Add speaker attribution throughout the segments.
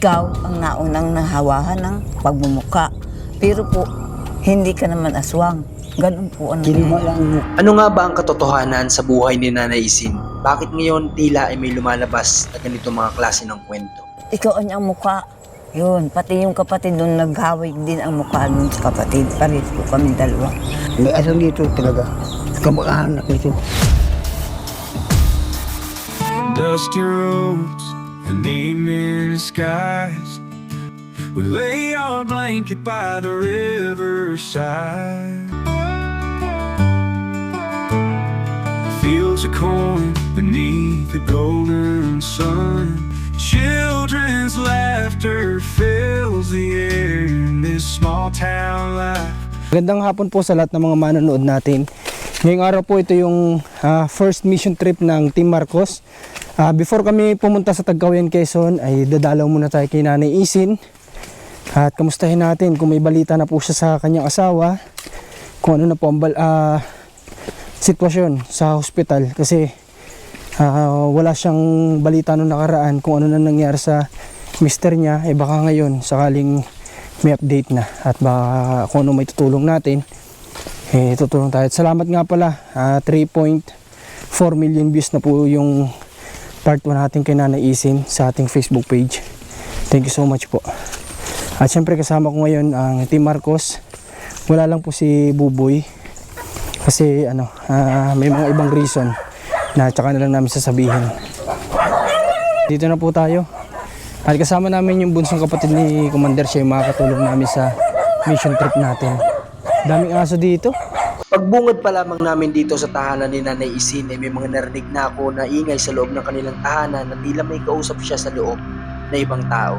Speaker 1: Ikaw ang naunang nahawahan ng pagmumuka. Pero po, hindi ka naman aswang. Ganun po ang nangyayari.
Speaker 2: Ano nga ba ang katotohanan sa buhay ni Nanay Isin? Bakit ngayon tila ay may lumalabas na ganito mga klase ng kwento?
Speaker 1: Ikaw ang niyang muka. Yun, pati yung kapatid doon naghawig din ang mukha nun sa kapatid. Pares po kami dalawa.
Speaker 3: May asal dito talaga. Kamag-anak nito.
Speaker 4: Dusty roads and evening skies. We lay our blanket by the riverside. Fields of corn beneath the golden sun. Children's laughter fills the air in this small town life.
Speaker 5: Magandang hapon po sa lahat ng mga manonood natin. Ngayong araw po ito yung first mission trip ng Team Marcos. Before kami pumunta sa Tagkawayan, Quezon ay dadalaw muna tayo kay Nanay Isin. At kamustahin natin kung may balita na po siya sa kanyang asawa. Kung ano na po ang sitwasyon sa hospital. Kasi wala siyang balita nung nakaraan kung ano na nangyari sa mister niya. Baka ngayon sakaling may update na. At baka kung ano may tutulong natin, tutulong tayo. At salamat nga pala, 3.4 million views na po yung part 1 natin kay Nanay Isin sa ating Facebook page. Thank you so much po. At syempre kasama ko ngayon ang Team Marcos. Wala lang po si Buboy kasi may mga ibang reason na tsaka na lang namin sasabihin. Dito na po tayo. At kasama namin yung bunsong kapatid ni Commander. Siya yung makakatulong namin sa mission trip natin. Daming aso dito.
Speaker 2: Pagbungad pa lamang namin dito sa tahanan ni Nanay Isin ay may mga narinig na ako na ingay sa loob ng kanilang tahanan na tila may kausap siya sa loob na ibang tao.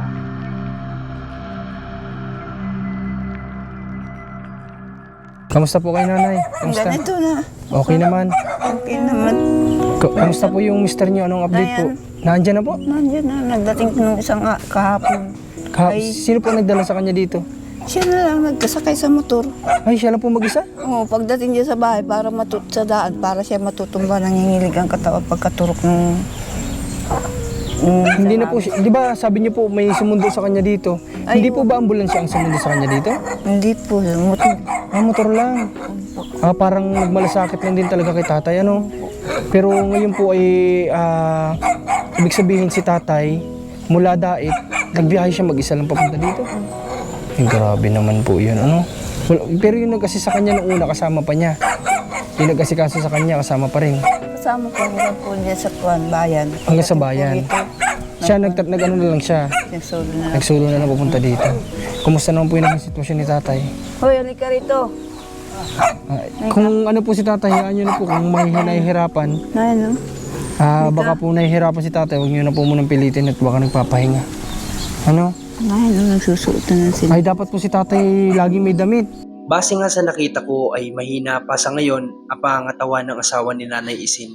Speaker 5: Kamusta po kayo, Nanay? Kamusta?
Speaker 1: Ganito na.
Speaker 5: Okay naman.
Speaker 1: Okay naman.
Speaker 5: Kamusta po yung mister niyo? Anong update po? Nandiyan na po?
Speaker 1: Nandiyan na. Nagdating ko nung isang kahapon.
Speaker 5: Sino po nagdala sa kanya dito?
Speaker 1: Siya na lang nagkasakay sa motor.
Speaker 5: Ay, siya lang po mag-isa?
Speaker 1: Oo, pagdating niya sa bahay para sa daan, para siya matutumba, nangingilig ang katawan pagkaturok ng...
Speaker 5: Hindi na po siya. Di ba sabi niyo po may sumundo sa kanya dito?
Speaker 1: Ay,
Speaker 5: Hindi po ba ambulansya ang sumundo sa kanya dito?
Speaker 1: Hindi po, motor.
Speaker 5: Motor lang. Parang nagmalasakit lang din talaga kay tatay, ano? Pero ngayon po ay ibig sabihin si tatay mula Dait, nagbiyahe siya mag-isa lang papunta dito. Ay, grabe naman po yun, ano? Pero yung nag-assist sa kanya nung una, kasama pa niya. Yung nag-asikaso sa kanya, kasama pa rin.
Speaker 1: Kasama ko hanggang po niya sa bayan.
Speaker 5: Hanggang sa bayan. Siya, nag-ano na lang siya.
Speaker 1: Nagsolo na.
Speaker 5: Nagsolo na lang papunta dito. Kumusta naman po yung naging sitwasyon ni tatay?
Speaker 1: Hoy, halika rito.
Speaker 5: Kung ano po si tatay, hayaan nyo na po kung may nahihirapan.
Speaker 1: Ano?
Speaker 5: Baka po nahihirapan si tatay, huwag nyo na po munang pilitin at baka nagpapahinga. Ano?
Speaker 1: Ano, nagsusuot na sila.
Speaker 5: Ay, dapat po si tatay lagi may damit.
Speaker 2: Base nga sa nakita ko ay mahina pa sa ngayon ang pangangatawan ng asawa ni Nanay Isin.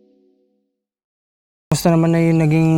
Speaker 5: Kumusta naman na yung naging,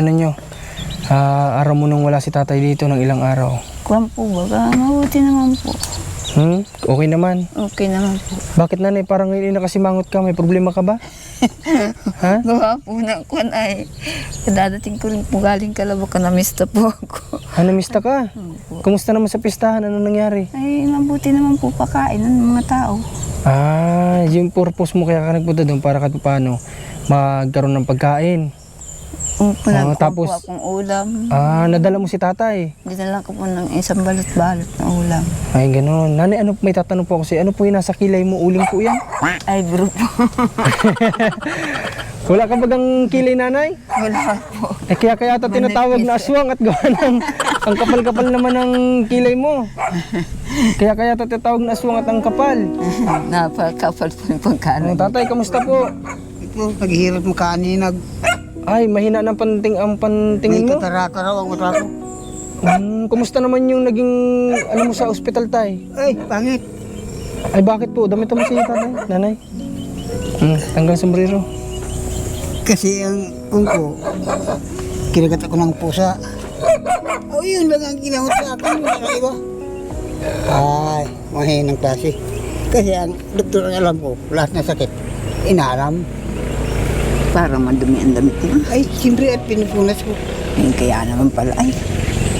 Speaker 5: araw mo nung wala si tatay dito ng ilang araw?
Speaker 1: Kuwan po ba? Mabuti naman po.
Speaker 5: Okay naman.
Speaker 1: Okay naman po.
Speaker 5: Bakit nanay, parang ngayon nakasimangot ka, may problema ka ba? Ha?
Speaker 1: Gawa po ng kuwan ay dadating ko rin po galing Caloocan, namista po ako.
Speaker 5: Namista ka? Kumusta naman sa pistahan? Ano nangyari?
Speaker 1: Ay, mabuti naman po pakain ng mga tao.
Speaker 5: Yung purpose mo kaya ka nagpunta doon para kahit paano magkaroon ng pagkain.
Speaker 1: Tapos po akong ulam.
Speaker 5: Nadala mo si tatay.
Speaker 1: Dinala ko po ng isang balot-balot na ulam.
Speaker 5: Ay, gano'n. Nanay, may tatanong po ako sa'yo. Ano po yung nasa kilay mo? Uling po yan?
Speaker 1: Ay, bro po.
Speaker 5: Wala ka bagang kilay, nanay?
Speaker 1: Wala po.
Speaker 5: Kaya tinatawag na aswang at gawa ng ang kapal-kapal naman ng kilay mo. Kaya tinatawag na aswang at ang kapal.
Speaker 1: Napakapal po yung pagkain.
Speaker 5: Tatay, kamusta po?
Speaker 3: Ito, naghihirap mo kaninag.
Speaker 5: Ay, mahina ng ang pantingin
Speaker 3: May
Speaker 5: mo.
Speaker 3: katarata raw ang mata ko.
Speaker 5: Kumusta naman yung naging, mo sa ospital, tay?
Speaker 3: Ay, pangit.
Speaker 5: Ay, bakit po? Damit mo siya, tatay, nanay. Tanggal sombrero.
Speaker 3: Kasi ang kungko, kinagat ako ng pusa. Yun lang ang ginamot sa akin. Wala na iba. Ay, mahinang klase. Kasi ang doktor ang alam ko, lahat na sakit, inaalam.
Speaker 1: Para madumi ang damit mo.
Speaker 3: Ay, siyempre at pinupunas ko.
Speaker 1: Kaya naman pala. Ay,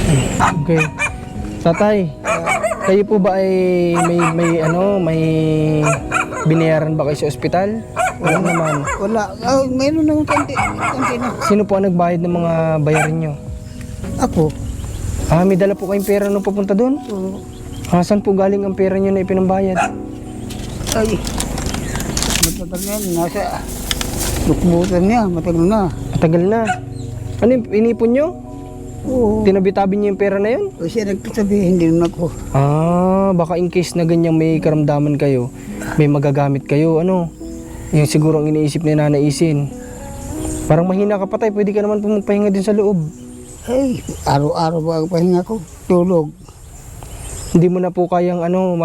Speaker 5: Okay. Tatay, kayo po ba ay may binayaran ba kayo sa ospital? Wala naman.
Speaker 3: Wala. Mayroon naman konti na.
Speaker 5: Sino po ang nagbayad ng mga bayarin nyo?
Speaker 3: Ako.
Speaker 5: May dala po kayong pera nung papunta doon?
Speaker 3: Oo.
Speaker 5: Saan po galing ang pera nyo na ipinambayad?
Speaker 3: Ay. Matagal na yan. Nasa lukbutan niya. Matagal na.
Speaker 5: Matagal na. Ano yung inipon nyo?
Speaker 3: Oo.
Speaker 5: Tinabi-tabi nyo yung pera na yun?
Speaker 3: O siya nagsasabi, hindi naman ako.
Speaker 5: Baka in case na ganyan may karamdaman kayo, may magagamit kayo, yung siguro ang iniisip ni Nanay Isin. Parang mahina ka pa tayo, pwede ka naman po magpahinga din sa loob.
Speaker 3: Ay, araw-araw ba ang pahinga ko? Tulog.
Speaker 5: Hindi mo na po kayang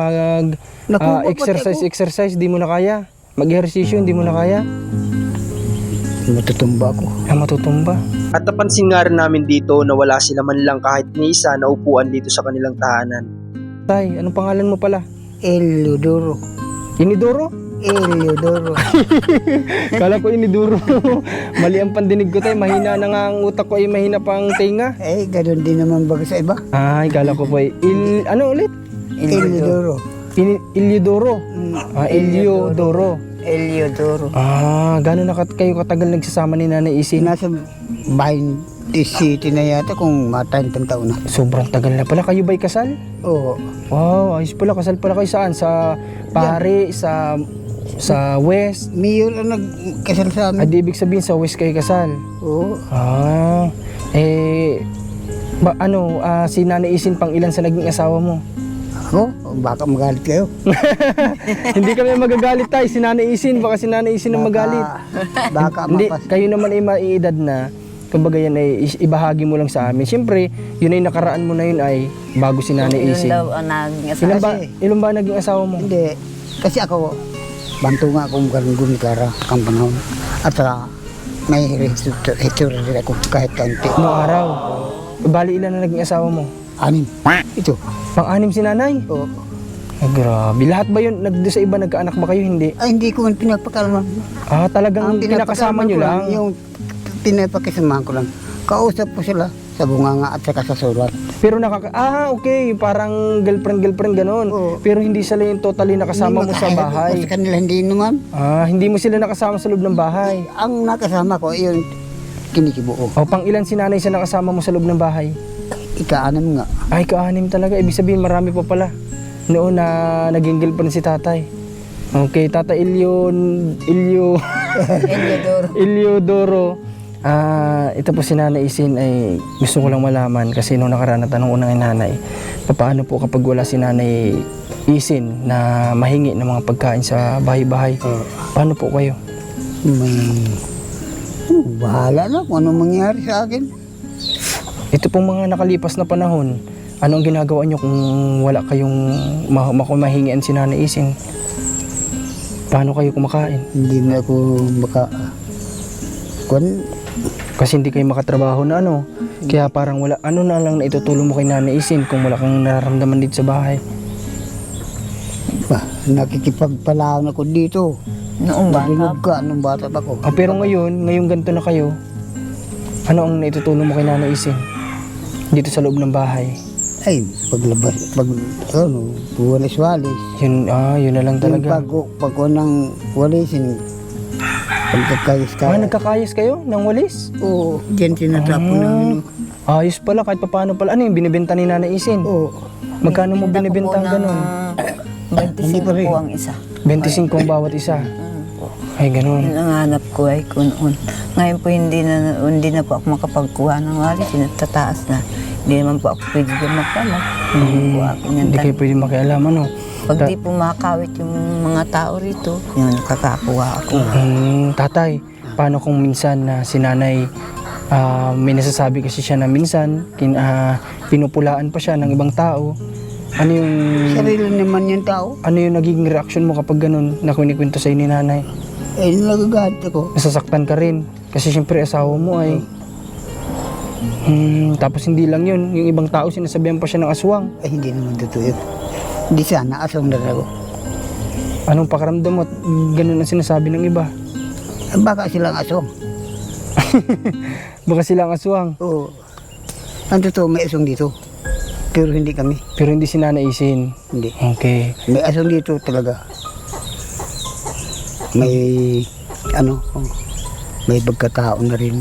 Speaker 5: exercise, di mo na kaya. Mag-ehersisyo, hindi mo na kaya.
Speaker 3: Matutumba ako.
Speaker 5: Matutumba.
Speaker 2: At napansin nga rin namin dito na wala sila man lang kahit ni isa na upuan dito sa kanilang tahanan.
Speaker 5: Tay, anong pangalan mo pala?
Speaker 3: Eliodoro.
Speaker 5: Inidoro?
Speaker 3: Eliodoro.
Speaker 5: Kala ko Inidoro. Mali ang pandinig ko tayo, mahina na nga ang utak ko ay mahina pa ang tenga.
Speaker 3: Eh, ganun din naman baga sa iba.
Speaker 5: Ay, kala ko po ay ano ulit?
Speaker 3: Eliodoro.
Speaker 5: Eliodoro. Eliodoro.
Speaker 1: Eliodoro.
Speaker 5: Gano'n na kayo katagal nagsasama ni Nanay Isin?
Speaker 3: Nasa 20 city na yata kung mga 30 taon na.
Speaker 5: Sobrang tagal na pala. Kayo ba'y kasal?
Speaker 3: Oo.
Speaker 5: Wow, ayos pala. Kasal pala kayo saan? Sa Pare, sa West?
Speaker 3: Mayor ang nagkasal sa amin.
Speaker 5: Di ibig sabihin sa West kayo kasal?
Speaker 3: Oo.
Speaker 5: Si Nanay Isin pang ilan sa naging asawa mo?
Speaker 3: Ako? Baka magalit kayo.
Speaker 5: Hindi kami magagalit tayo. Si Nanay Isin, baka si Nanay Isin ang magalit.
Speaker 3: Baka
Speaker 5: Hindi,
Speaker 3: mapas.
Speaker 5: kayo naman ay maiedad na. Kumbaga yan ay ibahagi mo lang sa amin. Siyempre, yun ay nakaraan mo na yun ay bago si Nanay
Speaker 1: Yun
Speaker 5: Isin.
Speaker 1: daw ang naging asawa.
Speaker 5: Ilan ba naging asawa mo?
Speaker 3: Hindi. Kasi ako, banto nga akong garunggun kara kang panahon. At may history rin ako kahit kaunti.
Speaker 5: Noong araw. Bali ilan na naging asawa mo?
Speaker 3: 6. Ito.
Speaker 5: Pang-anim si Nanay?
Speaker 3: Oo.
Speaker 5: Ay, grabe. Lahat ba yun? Sa iba nagkaanak ba kayo? Hindi.
Speaker 3: Ay, hindi ko man pinagpakalman.
Speaker 5: Talagang pinakasama nyo lang?
Speaker 3: Yung pinapakisamahan ko lang. Kausap ko sila sa bunganga at saka sa sulat.
Speaker 5: Pero okay. Parang girlfriend ganon.
Speaker 3: Oo.
Speaker 5: Pero hindi sila yung totally nakasama mo sa bahay.
Speaker 3: Sa kanila hindi naman.
Speaker 5: Hindi mo sila nakasama sa loob ng bahay.
Speaker 3: Ang nakasama ko, yung kinikibuo.
Speaker 5: Pang ilan si Nanay sa nakasama mo sa loob ng bahay?
Speaker 3: Ika-6 nga.
Speaker 5: Ay, ka-6 talaga. Ibig sabihin, marami pa pala. Noon na naging girlfriend si Tatay. Okay, Tata
Speaker 1: Eliodoro.
Speaker 5: Eliodoro. Ito po si Nanay Isin ay gusto ko lang malaman kasi nung nakaraan na tanong unang Nanay, paano po kapag wala si Nanay Isin na mahingi ng mga pagkain sa bahay-bahay? Paano po kayo?
Speaker 3: Bahala na kung anong mangyari sa akin.
Speaker 5: Ito pong mga nakalipas na panahon, ano ang ginagawa nyo kung wala kayong mahingian si Nanay Isin? Paano kayo kumakain?
Speaker 3: Hindi na ako
Speaker 5: Kasi hindi kayo makatrabaho na kaya parang wala, na lang na itutulong mo kay Nanay Isin kung wala kang nararamdaman dito sa bahay.
Speaker 3: Nakikipagpalaan ako dito.
Speaker 1: Noong
Speaker 3: Narinig
Speaker 1: bata.
Speaker 3: ka nung bata pa ko.
Speaker 5: Pero ngayong ganito na kayo, ano ang naitutulong mo kay Nanay Isin dito sa loob ng bahay?
Speaker 3: Ay, paglabas, walis-walis.
Speaker 5: Yun na lang talaga.
Speaker 3: Pag unang walisin, pagkakayos ka.
Speaker 5: Nagkakayos kayo ng walis?
Speaker 3: Oo, dyan sinatapon namin.
Speaker 5: Ayos pala, kahit paano pala. Ano yung binibenta ni Nanay Isin?
Speaker 3: Oo.
Speaker 5: Magkano mo binibenta ang ganun?
Speaker 1: 25 po ang isa.
Speaker 5: 25 ang bawat isa. Ay, ganun.
Speaker 1: Yun ang hanap ko ay kunoon. Ngayon po hindi na po ako makapagkuha ng walis. Tataas na. Hindi naman po ako pwede dyan magpala.
Speaker 5: Hindi kayo pwede makialam,
Speaker 1: Pag di po makakawit yung mga tao rito, yun, nakakakuha ako.
Speaker 5: Tatay, paano kung minsan na si Nanay, may nasasabi kasi siya na minsan, pinupulaan pa siya ng ibang tao. Ano yung...
Speaker 3: Sarili naman yung tao.
Speaker 5: Ano yung nagiging reaction mo kapag ganun na kunikwento sa'yo ni Nanay?
Speaker 3: Eh, nagagalit ako.
Speaker 5: Nasasaktan ka rin. Kasi siyempre asawa mo ay... tapos hindi lang yun. Yung ibang tao sinasabihan pa siya ng aswang.
Speaker 3: Eh, hindi naman totoo yun. Hindi sana, asong na ako.
Speaker 5: Anong pakaramdam mo at ganun ang sinasabi ng iba?
Speaker 3: Baka silang asong.
Speaker 5: Baka sila ang aswang.
Speaker 3: Oo. Ang totoo, may asong dito. Pero hindi kami.
Speaker 5: Pero hindi si Nanay Isin.
Speaker 3: Hindi.
Speaker 5: Okay.
Speaker 3: May asong dito talaga. May, may pagkatao na rin.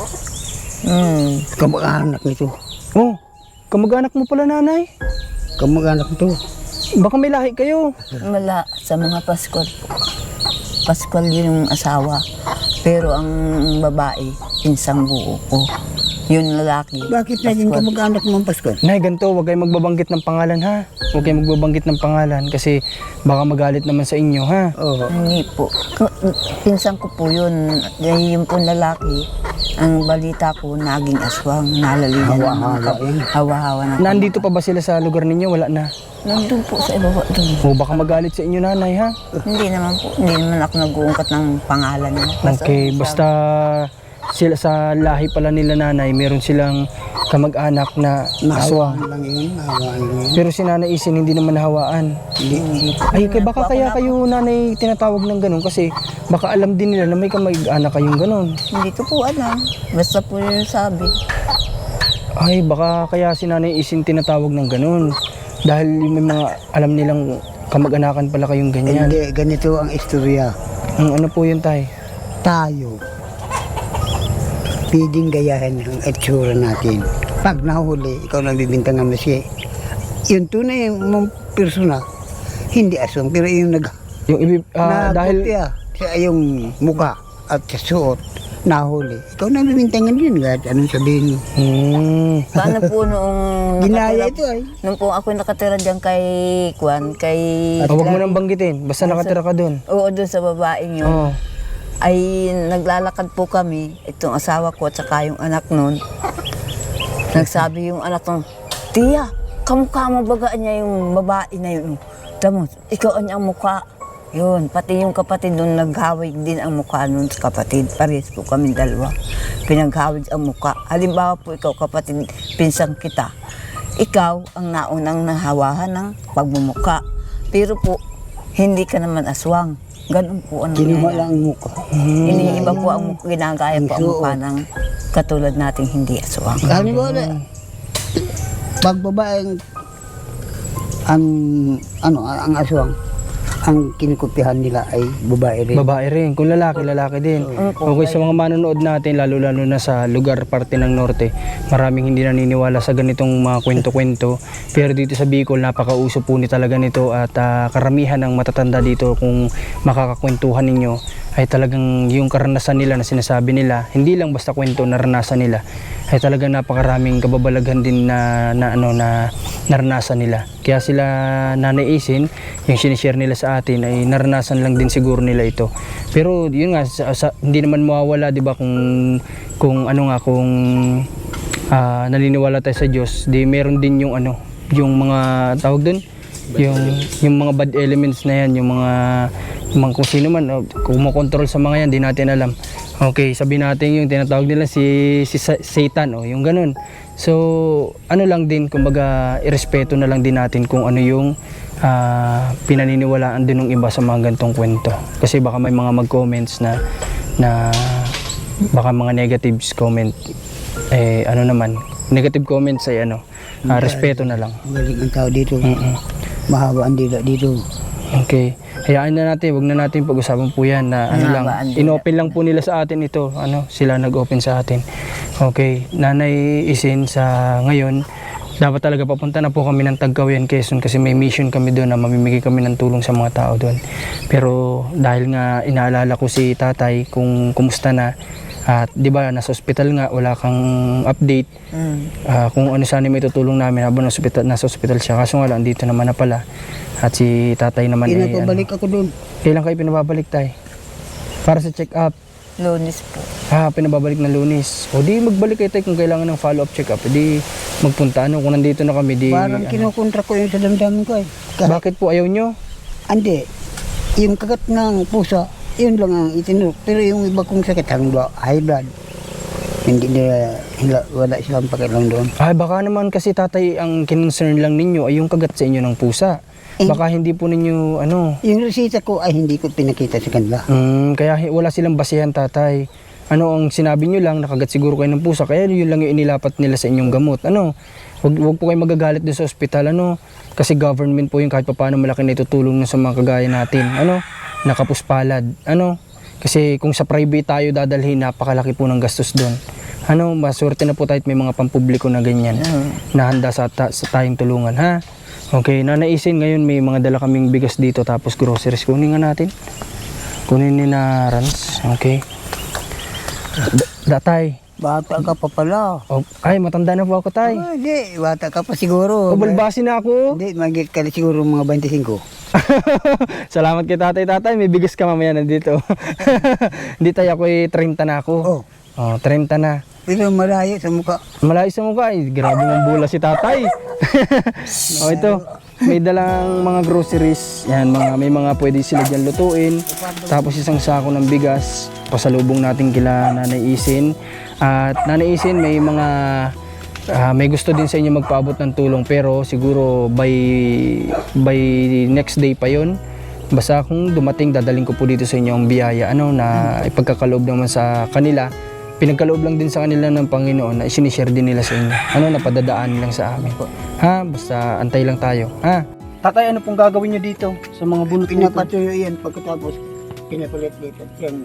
Speaker 3: Kamag-anak nito.
Speaker 5: Oh, kamag-anak mo pala, Nanay.
Speaker 3: Kamag-anak nito.
Speaker 5: Baka may lahi kayo.
Speaker 1: Wala, sa mga Paskol po. Paskol yung asawa. Pero ang babae, pinsang buo ko. Yun lalaki.
Speaker 3: Bakit naging
Speaker 1: Paskol.
Speaker 3: kamag-anak mo ang Pasko?
Speaker 5: Nay, ganito, huwag kayong magbabanggit ng pangalan, ha? Huwag kayong magbabanggit ng pangalan kasi baka magalit naman sa inyo, ha?
Speaker 3: Oo.
Speaker 1: Hindi po. Pinsang ko po yun. Dahil yung po lalaki, ang balita ko, naging aswang, nalalihan ng mga
Speaker 3: Hawa-hawa yun.
Speaker 1: hawa-hawa na.
Speaker 5: Nandito pa ba sila sa lugar ninyo? Wala na.
Speaker 1: Nandun po sa ibaba doon.
Speaker 5: O baka magalit sa inyo, Nanay, ha?
Speaker 1: Hindi naman po. Hindi naman ako nag-uungkat ng pangalan niya.
Speaker 5: Okay, basta sila sa lahi pala nila, Nanay, meron silang kamag-anak na aswang.
Speaker 3: Nahawaan lang yun. Nahawaan lang yun.
Speaker 5: Pero si Nanay Isin hindi naman nahawaan.
Speaker 1: Hindi po.
Speaker 5: Ay, baka kaya kayo, Nanay, tinatawag ng ganun kasi baka alam din nila na may kamag-anak kayong ganun.
Speaker 1: Hindi ko po alam. Basta po yun sabi.
Speaker 5: Ay, baka kaya si Nanay Isin tinatawag ng ganun. Dahil may mga alam nilang kamag-anakan pala kayong ganyan.
Speaker 3: Hindi, ganito ang istorya.
Speaker 5: Ano po yun, Tay?
Speaker 3: Tayo, pwedeng gayahin ang itsura natin. Pag nahuli, ikaw nagbibintangan mo siya. Yung tunay mong persona, hindi aswang, pero yung
Speaker 5: Yung dahil
Speaker 3: sa yung muka at sa suot, nahuli. Ikaw nagbibintangan yun, kahit anong sabihin mo.
Speaker 1: Paano po noong
Speaker 3: Ginaya
Speaker 1: nakatira,
Speaker 3: ito ay.
Speaker 1: nung po ako nakatira dyan kay Kwan, kay...
Speaker 5: Huwag mo nang banggitin, basta nakatira ka doon.
Speaker 1: Oo, doon sa babaeng yun.
Speaker 5: Oo.
Speaker 1: Ay naglalakad po kami, itong asawa ko at saka yung anak nun. Nagsabi yung anak nun, Tiya, kamukha mo baga niya yung babae na yun. Tamo, ikaw ang niyang mukha. Yun, pati yung kapatid nun, naghawig din ang mukha nun sa kapatid. Parehas po kami dalawa. Pinaghawig ang mukha. Halimbawa po ikaw kapatid, pinsang kita. Ikaw ang naunang nahawahan ng pagmumuka. Pero po, hindi ka naman aswang. Ganun po ang
Speaker 3: Kinuha
Speaker 1: nangyayari.
Speaker 3: lang ang muka.
Speaker 1: Iniiba po ang ginagaya po ang mukha ng katulad nating hindi aswang.
Speaker 3: Halimbawa, pag babaeng ang aswang, ang kinukupihan nila ay babae rin.
Speaker 5: Babae rin. Kung lalaki, lalaki din. Okay, sa mga manonood natin, lalo-lalo na sa lugar, parte ng norte, maraming hindi naniniwala sa ganitong mga kwento-kwento. Pero dito sa Bicol, napakauso po ni talaga nito at karamihan ng matatanda dito kung makakakwentuhan ninyo ay talagang yung karanasan nila na sinasabi nila, hindi lang basta kwento, naranasan nila, ay talagang napakaraming kababalaghan din na naranasan nila. Kaya sila Nanay Isin, yung sinishare nila sa atin ay naranasan lang din siguro nila ito. Pero yun nga, hindi naman mawawala, di ba, kung naniniwala tayo sa Diyos, di meron din yung yung mga tawag doon, yung mga bad elements na yan, yung mga kung sino man, kumokontrol sa mga yan, di natin alam. Okay, sabihin natin yung tinatawag nila si Satan, yung ganun. So, lang din, kumbaga, irespeto na lang din natin kung ano yung pinaniniwalaan din ng iba sa mga gantong kwento. Kasi baka may mga mag-comments na baka mga negatives comment, negative comments ay respeto na lang.
Speaker 3: Galing ang tao dito. Mahaba ang dila dito.
Speaker 5: Okay. Hayaan na natin, wag na natin pag-usapan po yan na inopen lang po nila sa atin ito. Sila nag-open sa atin. Okay. Nanay Isin, sa ngayon, dapat talaga papunta na po kami ng Tagkawayan, Quezon kasi may mission kami doon na mamimigay kami ng tulong sa mga tao doon. Pero dahil nga inaalala ko si tatay kung kumusta na, at di ba nasa ospital nga, wala kang update kung ano sana may tutulong namin habang nasa ospital siya. Kaso nga lang, dito naman na pala. At si tatay naman
Speaker 3: Pinapabalik ako doon.
Speaker 5: Kailan kayo pinababalik, tay? Para sa check-up?
Speaker 1: Lunis po.
Speaker 5: Pinababalik na Lunis. O di magbalik kayo, tay, kung kailangan ng follow-up check-up. Di magpunta, kung nandito na kami, di...
Speaker 3: Parang kinukontra ko yung sa damdamin ko eh.
Speaker 5: Bakit po ayaw nyo?
Speaker 3: Andi, yung kagat ng pusa, yun lang ang itinuro. Pero yung iba kong sakit, high blood. Hindi wala silang pakialam doon.
Speaker 5: Baka naman kasi tatay, ang concern lang ninyo ay yung kagat sa inyo ng pusa. Baka hindi po ninyo,
Speaker 3: Yung resita ko ay hindi ko pinakita sa kanila.
Speaker 5: Kaya wala silang basihan, tatay. Ano ang sinabi nyo lang, nakagat siguro kayo ng pusa, kaya yun lang yung inilapat nila sa inyong gamot. Ano, wag po kayo magagalit din sa ospital, ano, kasi government po yung kahit paano malaki na itutulong na sa mga kagaya natin, ano, nakapuspalad, ano, kasi kung sa private tayo dadalhin, napakalaki po ng gastos doon. Ano, maswerte na po tayo at may mga pampubliko na ganyan, na handa sa tayong tulungan, ha? Okay, nanaisin ngayon may mga dala kaming bigas dito tapos groceries, kunin nga natin. Kunin ni na Rans, okay. Datay.
Speaker 3: Bata ka pa pala.
Speaker 5: Oh, ay, matanda na po ako, tay.
Speaker 3: Hindi, bata ka pa siguro.
Speaker 5: Ubalbasi na ako.
Speaker 3: Hindi, magigit ka na siguro mga 25.
Speaker 5: Salamat kay tatay. May bigas ka mamaya nandito. Hindi tayo, ako 30 na ako.
Speaker 3: Oh.
Speaker 5: Oh, 30 na.
Speaker 3: Pero malayo sa mukha.
Speaker 5: Malayo sa mukha. Ay, grabe mong bula si tatay. Oh, ito. May dalang mga groceries. Yan, may mga pwede sila dyan lutuin. Tapos isang sako ng bigas. Pasalubong natin kila Nanay Isin. At Nanay Isin, may mga may gusto din sa inyo magpaabot ng tulong, pero siguro by next day pa yon. Basta kung dumating, dadaling ko po dito sa inyo ang biyaya, ano, na ipagkakaloob naman sa kanila. Pinagkaloob lang din sa kanila ng Panginoon na isinishare din nila sa inyo. Ano, napadadaan lang sa amin. Ha? Basta antay lang tayo. Ha? Tatay, ano pong gagawin nyo dito sa mga bunot nito?
Speaker 3: Pinapatuyo yan pagkatapos pinapalit dito. Yan.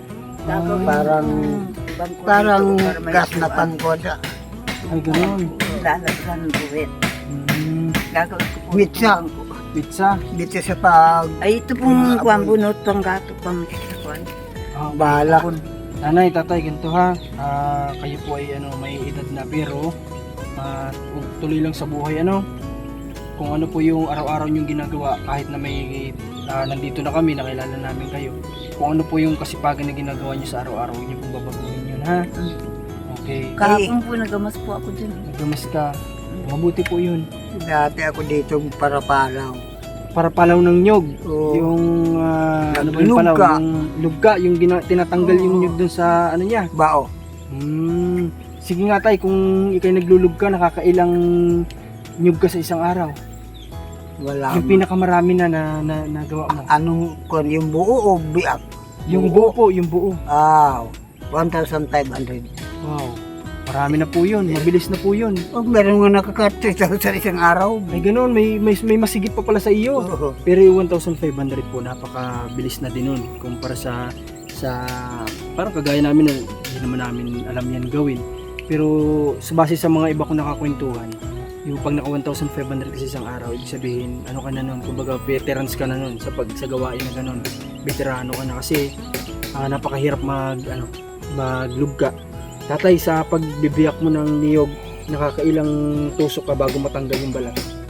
Speaker 3: Parang gas na pangkosa.
Speaker 5: Ay, gano'n.
Speaker 1: Lalagyan ng buwit. Gagawin ko po.
Speaker 3: Mitsa.
Speaker 5: Pizza.
Speaker 3: Dito sa pag
Speaker 1: Ay, ito pong kuwan bunot, pang gato, pang kuwan.
Speaker 3: bala.
Speaker 5: Nanay, tatay, ganito ha. Kayo po ay may edad na, pero tuloy lang sa buhay, ano. Kung ano po yung araw-araw yung ginagawa, kahit na may nandito na kami, nakilala namin kayo. Kung ano po yung kasipagan na ginagawa nyo sa araw-araw, yun yung babaguhin yun, ha? Okay.
Speaker 1: Kahapon po nagamas po ako dyan.
Speaker 5: Nagdamas ka. Mabuti po yun.
Speaker 3: Dati ako dito para palaw.
Speaker 5: Para palaw ng nyog.
Speaker 3: Oo.
Speaker 5: Yung, ano ba yung palaw?
Speaker 3: Lugga.
Speaker 5: Yung lugga, yung tinatanggal yung nyog dun sa, ano niya.
Speaker 3: Bao.
Speaker 5: Sige nga tay, kung ikay naglulug ka, nakakailang nyug ka sa isang araw.
Speaker 3: Wala.
Speaker 5: Yung pinakamarami na nagawa mo.
Speaker 3: Anong kon yung buo o biak?
Speaker 5: Yung buo po, yung buo.
Speaker 3: 1,500.
Speaker 5: Wow. Marami na po yun. Mabilis na po yun.
Speaker 3: Oh, meron nga nakaka-3,000 sa isang araw.
Speaker 5: Ay ganun, may masigit pa pala sa iyo.
Speaker 3: Oo.
Speaker 5: Pero yung 1,500 po, napakabilis na din nun. Kumpara sa parang kagaya namin na hindi naman namin alam yan gawin. Pero base sa mga iba kong nakakwentuhan, yung pag naka 1,500 kasi isang araw, ibig sabihin, ano ka na nun, kumbaga veterans ka na nun sa gawain na ganun. Veterano ka na kasi napakahirap maglugga. Tatay, sa pagbibiyak mo ng niyog, nakakailang tusok ka bago matanggal yung balat?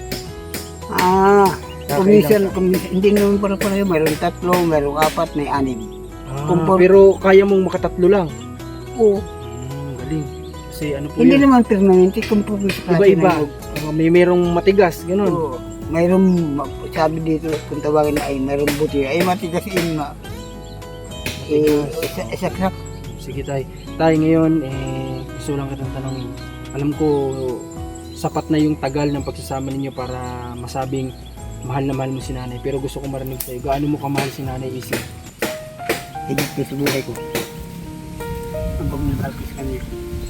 Speaker 3: Kuminsan, hindi naman para yun. Mayroon 3, mayroon 4, may 6.
Speaker 5: Pero kaya mong makatatlo lang?
Speaker 3: Oo.
Speaker 5: Galing. Kasi ano po
Speaker 3: Hindi
Speaker 5: yun?
Speaker 3: naman permanente kung sa klase
Speaker 5: Iba-iba.
Speaker 3: ng-
Speaker 5: Merong matigas, ganun.
Speaker 3: Oo. Mayroong, sabi dito, kung tawagin na ay mayroong buti, ay matigas yun isaksak.
Speaker 5: Sige tay. Tay, ngayon, gusto lang kitang tanongin. Alam ko, sapat na yung tagal ng pagsasama ninyo para masabing mahal na mahal mo si nanay. Pero gusto ko marinig sa'yo, gaano mo kamahal si nanay Isin?
Speaker 3: Higit ko sa buhay ko. Ang pagmamahal sa kanila.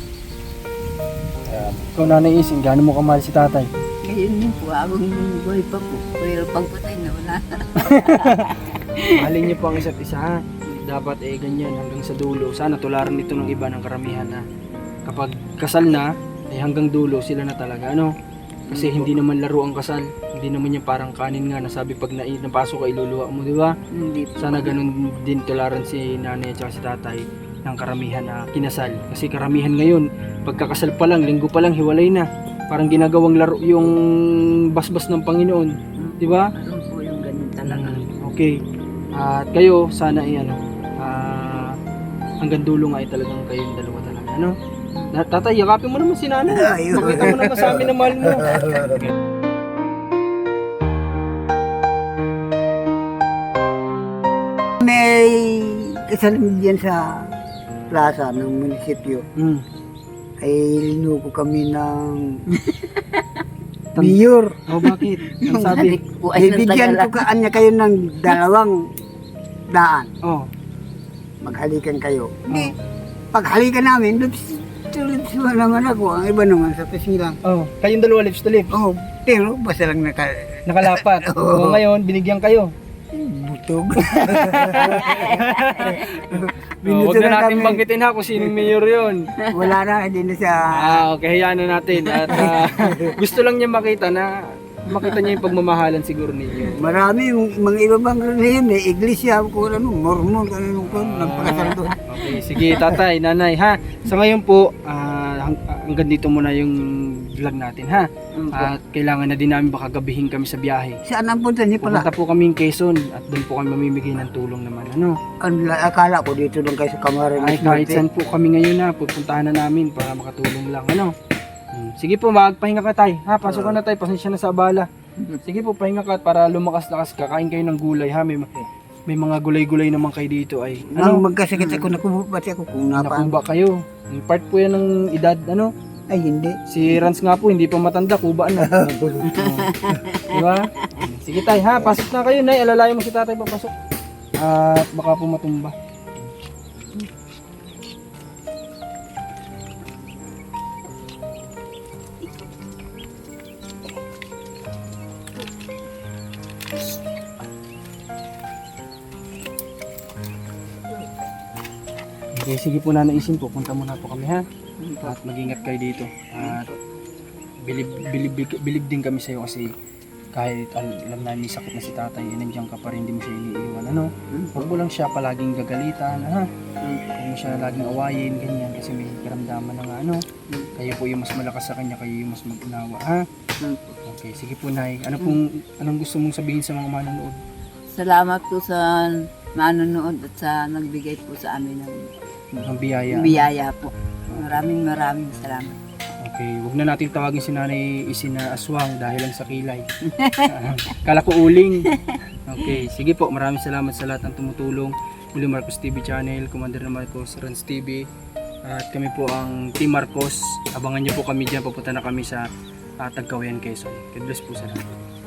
Speaker 5: Ikaw nanay Isin, gaano mo kamahal si tatay?
Speaker 1: Ngayon din po, abang buhay pa po. Pero pagpatay na wala.
Speaker 5: Mahalin niyo po ang isa't isa, ha? Dapat ganyan hanggang sa dulo. Sana tularan nito ng iba ng karamihan na kapag kasal na, hanggang dulo sila na talaga, ano? Kasi hindi naman laro ang kasal. Hindi naman yung parang kanin nga, nasabi pag napasok ka iluluwa mo, di ba?
Speaker 1: Hindi po.
Speaker 5: Sana ganun din tularan si nanay at si tatay ng karamihan na kinasal. Kasi karamihan ngayon, pagkakasal pa lang, linggo pa lang, hiwalay na. Parang ginagawang laro yung basbas ng Panginoon, di ba?
Speaker 1: Meron po yung ganun talaga.
Speaker 5: Okay. At kayo, sana hanggang dulo nga ay talagang kayong dalawa talaga, ano? Tatay, yakapin mo naman si nanay.
Speaker 3: Ayun.
Speaker 5: Pakita mo naman sa amin na mahal mo.
Speaker 3: May kasalim diyan sa plaza ng munisipyo. Ay linuko kami ng mayor.
Speaker 5: Oh, bakit? Ang sabi?
Speaker 1: Po ay
Speaker 3: Bibigyan ko kanya kayo ng 200.
Speaker 5: Oh.
Speaker 3: Maghalikan kayo. Hindi. paghalikan namin, lips to lips naman ako. Ang iba naman sa pisilang.
Speaker 5: Oh, kayong dalawa lips to lips.
Speaker 3: Oh, pero basta lang
Speaker 5: Nakalapat.
Speaker 3: Oo.
Speaker 5: O ngayon, binigyan kayo.
Speaker 3: butog.
Speaker 5: Huwag na natin banggitin ha kung sinong mayor yun.
Speaker 3: Wala na, hindi na siya.
Speaker 5: Okay, hayaan na natin. At gusto lang niya makita niya yung pagmamahalan siguro ninyo.
Speaker 3: Marami yung mga iba bang relihiyon, may iglesia, kung ano, mormon, kung ano, nagpakasal doon.
Speaker 5: Okay, sige tatay, nanay ha. Sa ngayon po, hanggang dito muna yung vlog natin ha. At kailangan na din namin baka gabihin kami sa biyahe.
Speaker 3: Saan ang punta niya pala?
Speaker 5: Pupunta po kami ng Quezon at doon po kami mamimigay ng tulong naman. Ano?
Speaker 3: Akala ko dito lang kayo sa Camarines
Speaker 5: Ay, kahit saan po kami ngayon na, pupuntahan na namin para makatulong lang. Ano? Sige po, magpahinga ka tay. Ha, pasok ka na tay, pasensya na sa abala. Sige po, pahinga ka para lumakas-lakas ka. Kain kayo ng gulay ha. May mga gulay-gulay naman kayo dito ay.
Speaker 3: Ano, magkasakit ako, nakubati ako kung napaan.
Speaker 5: Nakuba kayo. Part po yan ng edad, ano?
Speaker 3: Ay, hindi.
Speaker 5: Si Rans nga po, hindi pa matanda, kubaan na. Diba? Sige tay, ha, pasok na kayo, nay. Alalayo mo si tatay papasok. At baka po matumba. Okay, sige po nanaisin po, punta muna po kami ha. At mag-ingat kayo dito. At bilib din kami sa iyo kasi kahit alam namin may sakit na si tatay, nandiyan ka pa rin, hindi mo siya iniiwan. Ano? Huwag mo lang siya palaging gagalitan, ha? Huwag mo siya laging awayin, ganyan, kasi may karamdaman na nga, ano? Kayo po yung mas malakas sa kanya, kayo yung mas mag-unawa, ha? Okay, sige po nay. Anong gusto mong sabihin sa mga manonood?
Speaker 1: Salamat po sa manonood at sa nagbigay po sa amin
Speaker 5: Ng biyaya.
Speaker 1: ng biyaya po. Maraming salamat.
Speaker 5: Okay, huwag na natin tawagin si Nanay Isin na aswang dahil lang sa kilay. Kala ko uling. Okay, sige po, maraming salamat sa lahat ng tumutulong. Muli Marcos TV Channel, Commander na Marcos, Rans TV. At kami po ang Team Marcos. Abangan niyo po kami dyan, papunta na kami sa Tagkawayan, Quezon. God bless po sa lahat.